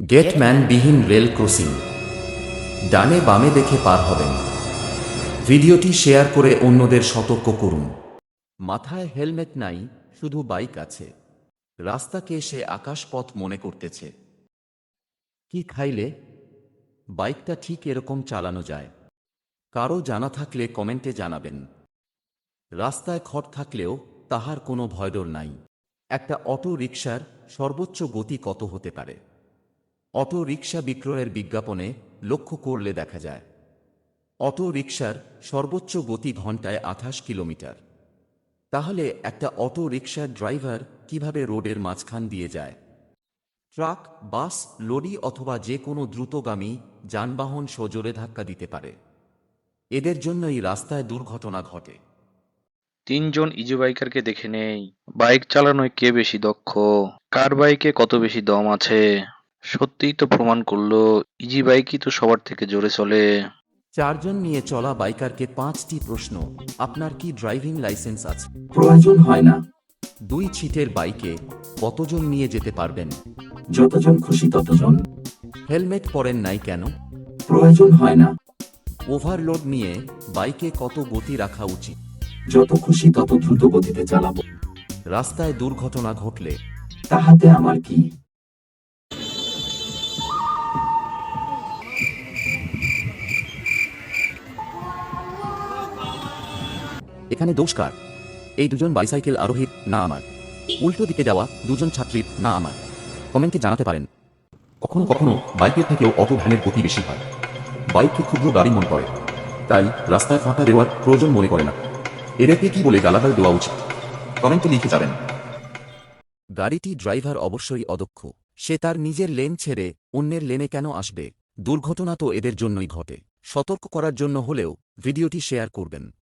গেটম্যানবিহীন rail crossing. ডানে বামে দেখে পার হবেন। ভিডিওটি শেয়ার করে অন্যদের সতর্ক করুন। মাথায় হেলমেট নাই, শুধু বাইক আছে। রাস্তাকে সে আকাশপথ মনে করতেছে। কি খাইলে বাইকটা ঠিক এরকম চালানো যায়? কারো জানা থাকলে কমেন্টে জানাবেন। রাস্তায় খড় থাকলেও তাহার কোনো ভয়ডর নাই। একটা অটো রিকশার সর্বোচ্চ গতি কত হতে পারে? অটো রিকশা বিক্রয়ের বিজ্ঞাপনে লক্ষ্য করলে দেখা যায় অটো রিকশার সর্বোচ্চ গতি ঘন্টায় 28 কিলোমিটার। তাহলে একটা অটো রিকশার ড্রাইভার কিভাবে রোডের মাঝখান দিয়ে যায়? ট্রাক, বাস, লরি অথবা যে কোনো দ্রুতগামী যানবাহন সজোরে ধাক্কা দিতে পারে। এদের জন্যই রাস্তায় দুর্ঘটনা ঘটে। তিনজন ইজি বাইকারকে দেখে নেই। বাইক চালানোয় কে বেশি দক্ষ, কার বাইকে কত বেশি দম আছে। সত্যিই তো প্রমাণ করলো ইজি বাইকই তো সবার থেকে জোরে চলে। চারজন নিয়ে চলা বাইকারকে 5টি প্রশ্ন। আপনার কি ড্রাইভিং লাইসেন্স আছে? প্রয়োজন হয় না। 2 সিটের বাইকে কতজন নিয়ে যেতে পারবেন? যতজন খুশি ততজন। হেলমেট পরেন নাই কেন? প্রয়োজন হয় না। ওভারলোড নিয়ে বাইকে কত গতি রাখা উচিত? যত খুশি তত দ্রুত গতিতে চালাবো। রাস্তায় দুর্ঘটনা ঘটলে তাহাতে আমার কি? এখানে দোষ কার? এই দুজন বাইসাইকেল আরোহীর না আমার? উল্টো দিকে যাওয়া দুজন ছাত্রীর না আমার? কমেন্টে জানাতে পারেন। কখনো কখনো বাইকের থেকেও অটো ভ্যানের গতি বেশি হয়। বাইককে ক্ষুদ্র গাড়ি মনে করে, তাই রাস্তায় ফাঁকা দেওয়ার প্রয়োজন মনে করে না। এদেরকে কি বলে গালাগাল দেওয়া উচিত? কমেন্টে লিখে যাবেন। গাড়িটি ড্রাইভার অবশ্যই অদক্ষ। সে তার নিজের লেন ছেড়ে অন্যের লেনে কেন আসবে? দুর্ঘটনা তো এদের জন্যই ঘটে। সতর্ক করার জন্য হলেও ভিডিওটি শেয়ার করবেন।